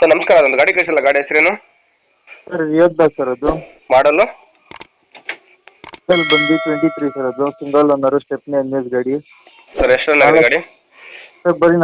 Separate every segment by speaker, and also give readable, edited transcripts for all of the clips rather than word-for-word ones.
Speaker 1: Sir ನಮಸ್ಕಾರ, ಅದೊಂದು ಗಾಡಿ ಕಳಿಸಿಲ್ಲ, ಗಾಡಿ ಹೆಸರೇನು?
Speaker 2: ಸರ್ ಯೋದ್ಧಾ ಸರ್ ಅದು.
Speaker 1: ಮಾಡಲು
Speaker 2: ಸರ್ ಬಂದು 23 ಸರ್ ಅದು. ಸಿಂಗಲ್ ಓನರು, ಸ್ಟೆಪ್ನಿ ಎನ್ಎಸ್ ಗಾಡಿ.
Speaker 1: ಸರ್ ಎಷ್ಟು ರನ್ ಆಗಿದೆ ಗಾಡಿ?
Speaker 2: ಸರ್ ಬರೀ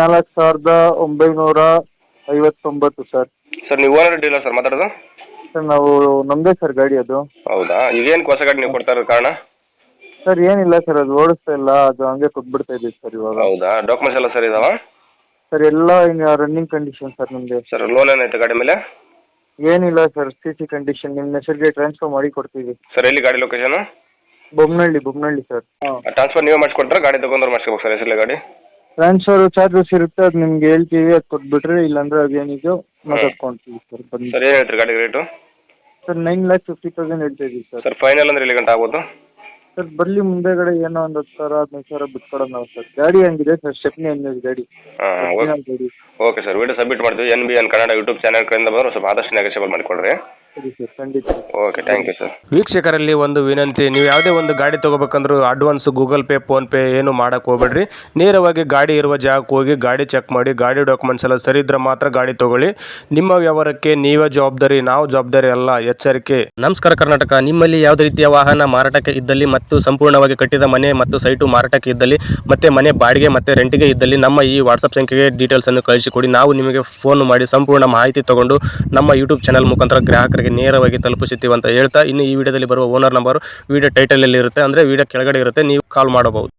Speaker 2: 4,959 ಸರ್.
Speaker 1: ಸರ್ ನೀವು ಓನರ್ ಡೀಲರ್ ಸರ್ ಮಾತಾಡೋದು?
Speaker 2: ಸರ್ ನಾವು ನಮ್ಮದೇ ಸರ್ ಗಾಡಿ ಅದು.
Speaker 1: ಹೌದಾ, ಇದೇನು ಹೊಸ ಗಾಡಿ ನೀವು ಕೊಡ್ತಾ ಇರೋದು ಕಾರಣ?
Speaker 2: ಸರ್ ಏನಿಲ್ಲ ಸರ್, ಅದು ಓಡಿಸ್ತಾ ಇಲ್ಲ, ಅದು ಹಂಗೆ ಕೊಟ್ಬಿಡ್ತಾ ಇದ್ದೀವಿ ಸರ್ ಇವಾಗ.
Speaker 1: ಹೌದಾ, ಡಾಕ್ಯುಮೆಂಟ್ಸ್ ಎಲ್ಲ ಸರ್ ಇದಾವ?
Speaker 2: ಸರ್ ಎಲ್ಲ ರನ್ನಿಂಗ್ ಕಂಡೀಷನ್ ಸರ್ ನಿಮಗೆ.
Speaker 1: ಸರ್ ಲೋನ್ ಏನಾಯ್ತು ಗಾಡಿ ಮೇಲೆ?
Speaker 2: ಏನಿಲ್ಲ ಸರ್, ಸಿ ಕಂಡೀಷನ್ ನಿಮ್ಮ ಹೆಸರಿಗೆ ಟ್ರಾನ್ಸ್ಫರ್ ಮಾಡಿ ಕೊಡ್ತೀವಿ.
Speaker 1: ಸರ್ ಎಲ್ಲಿ ಗಾಡಿ ಲೊಕೇಶನ್?
Speaker 2: ಬೊಮ್ಮನಹಳ್ಳಿ ಸರ್.
Speaker 1: ಟ್ರಾನ್ಸ್ಫರ್ ನೀವೇ ಮಾಡಿಸ್ಕೊಟ್ರೆ ಗಾಡಿ ತಗೊಂಡ್ರೆ ಮಾಡಿಸ್ಕೋಬೇಕು ಸರ್ ಹೆಸರಲ್ಲಿ ಗಾಡಿ?
Speaker 2: ಟ್ರಾನ್ಸ್ಫರ್ ಚಾರ್ಜಸ್ ಇರುತ್ತೆ, ಅದು ನಿಮ್ಗೆ ಹೇಳ್ತೀವಿ, ಅದು ಕೊಟ್ಬಿಟ್ರೆ, ಇಲ್ಲಾಂದ್ರೆ ಅದೇನಿದೆಯೋ ಮಾತಾಡ್ಕೊಳ್ತೀವಿ ಸರ್. ಬನ್ನಿ
Speaker 1: ಸರ್ ಏನು ಹೇಳ್ತೀರಿ ಗಾಡಿ ರೇಟು?
Speaker 2: ಸರ್ 9,50,000 ಹೇಳ್ತಾ ಇದ್ದೀವಿ ಸರ್.
Speaker 1: ಸರ್ ಫೈನಲ್ ಅಂದ್ರೆ ಎಲ್ಲಿ ಗಂಟೆ ಆಗ್ಬೋದು?
Speaker 2: ಸರ್ ಬರಲಿ, ಮುಂದೆಗಡೆ ಏನೋ ಒಂದು 10,000-15,000 ಬಿಟ್ಕೊಡೋಣ ನಾವು ಸರ್. ಗಾಡಿ ಹಂಗಿದೆ ಸರ್, ಸ್ಟೆಪ್ನಿ ಎನ್ಎಸ್ ಗಾಡಿ.
Speaker 1: ಹಾಂ
Speaker 2: ಗಾಡಿ.
Speaker 1: ಓಕೆ ಸರ್, ವಿಡಿಯೋ ಸಬ್ಮಿಟ್ ಮಾಡ್ತೀವಿ. NBN ಕನ್ನಡ ಯೂಟ್ಯೂಬ್ ಚಾನಲ್ ಕಡೆಯಿಂದ ಬಂದರೆ ಸ್ವಲ್ಪ ಆದಷ್ಟು ನೆಗೋಷಿಯಬಲ್ ಮಾಡಿಕೊಡ್ರಿ.
Speaker 2: ಸರಿ ಸರ್, ಖಂಡಿತ.
Speaker 1: Okay, thank you sir.
Speaker 3: ವೀಕ್ಷಕರಲ್ಲಿ ಒಂದು ವಿನಂತಿ, ನೀವು ಯಾವುದೇ ಒಂದು ಗಾಡಿ ತೊಗೋಬೇಕಂದ್ರೂ ಅಡ್ವಾನ್ಸ್ ಗೂಗಲ್ ಪೇ, ಫೋನ್ಪೇ ಏನು ಮಾಡೋಕ್ಕೆ ಹೋಗ್ಬೇಡ್ರಿ. ನೇರವಾಗಿ ಗಾಡಿ ಇರುವ ಜಾಗಕ್ಕೆ ಹೋಗಿ ಗಾಡಿ ಚೆಕ್ ಮಾಡಿ, ಗಾಡಿ ಡಾಕ್ಯುಮೆಂಟ್ಸ್ ಎಲ್ಲ ಸರಿ ಇದ್ರೆ ಮಾತ್ರ ಗಾಡಿ ತೊಗೊಳ್ಳಿ. ನಿಮ್ಮ ವ್ಯವಹಾರಕ್ಕೆ ನೀವೇ ಜವಾಬ್ದಾರಿ, ನಾವು ಜವಾಬ್ದಾರಿ ಅಲ್ಲ, ಎಚ್ಚರಿಕೆ. ನಮಸ್ಕಾರ ಕರ್ನಾಟಕ. ನಿಮ್ಮಲ್ಲಿ ಯಾವುದೇ ರೀತಿಯ ವಾಹನ ಮಾರಾಟಕ್ಕೆ ಇದ್ದಲ್ಲಿ ಮತ್ತು ಸಂಪೂರ್ಣವಾಗಿ ಕಟ್ಟಿದ ಮನೆ ಮತ್ತು ಸೈಟು ಮಾರಾಟಕ್ಕೆ ಇದ್ದಲ್ಲಿ ಮತ್ತು ಮನೆ ಬಾಡಿಗೆ ಮತ್ತು ರೆಂಟಿಗೆ ಇದ್ದಲ್ಲಿ ನಮ್ಮ ಈ ವಾಟ್ಸಪ್ ಸಂಖ್ಯೆಗೆ ಡೀಟೇಲ್ಸನ್ನು ಕಳಿಸಿಕೊಡಿ. ನಾವು ನಿಮಗೆ ಫೋನ್ ಮಾಡಿ ಸಂಪೂರ್ಣ ಮಾಹಿತಿ ತಗೊಂಡು ನಮ್ಮ ಯೂಟ್ಯೂಬ್ ಚಾನಲ್ ಮುಖಾಂತರ ಗ್ರಾಹಕರಿಗೆ ನೇರವಾಗಿ ತಲುಪಿಸುತ್ತೀವಿ ಅಂತ ಹೇಳ್ತಾ, ಇನ್ನು ಈ ವಿಡಿಯೋದಲ್ಲಿ ಬರುವ ಓನರ್ ನಂಬರ್ ವಿಡಿಯೋ ಟೈಟಲಲ್ಲಿ ಇರುತ್ತೆ, ಅಂದರೆ ವಿಡಿಯೋ ಕೆಳಗಡೆ ಇರುತ್ತೆ, ನೀವು ಕಾಲ್ ಮಾಡಬಹುದು.